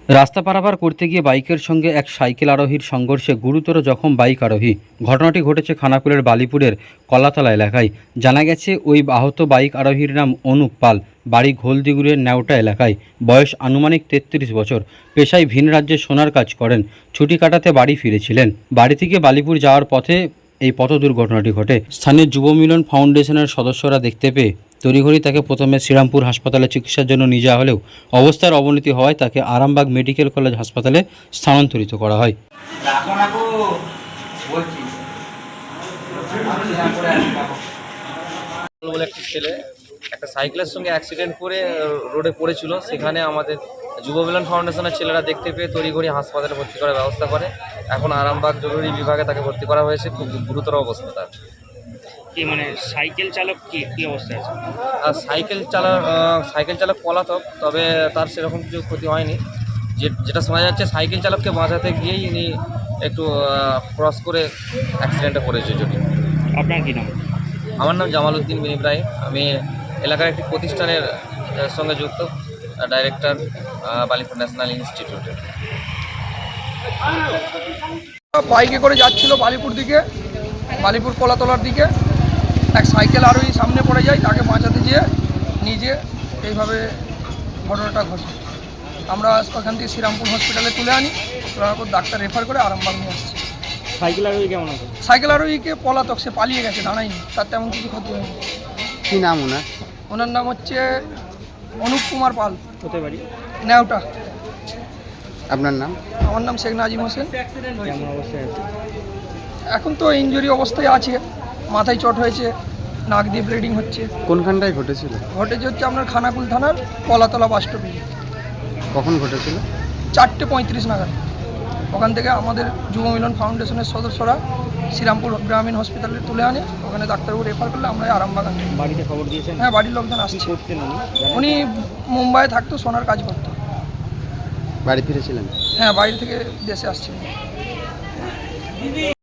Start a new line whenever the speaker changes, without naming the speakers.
রাস্তা পারাপার করতে গিয়ে বাইকের সঙ্গে এক সাইকেল আরোহীর সংঘর্ষে গুরুতর জখম বাইক আরোহী। ঘটনাটি ঘটেছে খানাকুলের বালিপুরের কলাতলা এলাকায়। জানা গেছে ওই আহত বাইক আরোহীর নাম অনুপ পাল, বাড়ি ঘোলদিগুড়ের নেওটা এলাকায়। বয়স আনুমানিক 33 বছর। পেশায় ভিন রাজ্যে সোনার কাজ করেন। ছুটি কাটাতে বাড়ি ফিরেছিলেন। বাড়ি থেকে বালিপুর যাওয়ার পথে এই পথ দুর্ঘটনাটি ঘটে। স্থানীয় যুব মিলন ফাউন্ডেশনের সদস্যরা দেখতে পেয়ে তড়িঘড়ি তাকে প্রথমে শ্রীরামপুর হাসপাতালে চিকিৎসার জন্য নিয়ে যাওয়া হলেও অবস্থার অবনতি হওয়ায় তাকে আরামবাগ মেডিকেল কলেজ হাসপাতালে স্থানান্তরিত করা হয়।
বলে একটি ছেলে একটা সাইকেলের সঙ্গে অ্যাক্সিডেন্ট করে রোডে পড়েছিল। সেখানে আমাদের যুব মিলন ফাউন্ডেশনের ছেলেরা দেখতে পেয়ে তড়িঘড়ি হাসপাতালে ভর্তি করার ব্যবস্থা করে। এখন আরামবাগ জরুরি বিভাগে তাকে ভর্তি করা হয়েছে। খুব গুরুতর অবস্থা তার।
কি মানে সাইকেল চালক কি অবস্থা আছে?
আর সাইকেল চালক পলাতক, তবে তার সেরকম কিছু ক্ষতি হয়নি। যেটা শোনা যাচ্ছে সাইকেল চালককে বাঁচাতে গিয়েই ইনি একটু ক্রস করে অ্যাক্সিডেন্টে পড়েছে। যদি
আপনার কি নাম?
আমার নাম জামাল উদ্দিন বিন ইব্রাহিম। আমি এলাকার একটি প্রতিষ্ঠানের সঙ্গে যুক্ত, ডাইরেক্টর বালিপুর ন্যাশনাল ইনস্টিটিউটের।
বাইকে করে যাচ্ছিল বালিপুর দিকে, বালিপুর কলাতলার দিকে। এক সাইকেল আরোহী সামনে পড়ে যায়, তাকে বাঁচাতে গিয়ে নিজে এইভাবে ঘটনাটা ঘটে। আমরা ওখান থেকে শ্রীরামপুর হসপিটালে তুলে আনি, তোলার পর ডাক্তার রেফার করে আরামবাগ নিয়ে আসছে।
সাইকেল আরোহী কেমন আছে?
সাইকেল আরোহীকে পলাতক, সে পালিয়ে গেছে, দাঁড়ায়নি, তার তেমন কিছু ক্ষতি হয়নি।
কী নাম ওনার?
ওনার নাম হচ্ছে অনুপ কুমার পাল,
হতে পারি।
নেওটা।
আপনার নাম?
আমার নাম শেখ নাজিম হোসেন।
কেমন অবস্থায় আছে?
এখন তো ইনজুরি অবস্থায় আছে, মাথায় চট হয়েছে, নাক দিয়ে ব্লিডিং হচ্ছে।
কোনখানটায় ঘটেছিল?
ঘটেছে হচ্ছে আপনার খানাকুল থানার কলাতলা বাস স্টপে।
কখন ঘটেছিল?
4:35 নাগাদ। ওখান থেকে আমাদের যুব মিলন ফাউন্ডেশনের সদস্যরা শ্রীরামপুর গ্রামীণ হসপিটালে তুলে আনে, ওখানে ডাক্তারবাবু রেফার করলে আমরা আরামবাগ আনি।
বাড়িতে খবর দিয়েছেন?
হ্যাঁ, বাড়ির লোকজন
কি
আসছে।
করতেন উনি?
উনি মুম্বাইয়ে থাকতো, সোনার কাজ করতো।
বাড়ি ফিরেছিলেন?
হ্যাঁ, বাইরে থেকে দেশে আসছিলেন।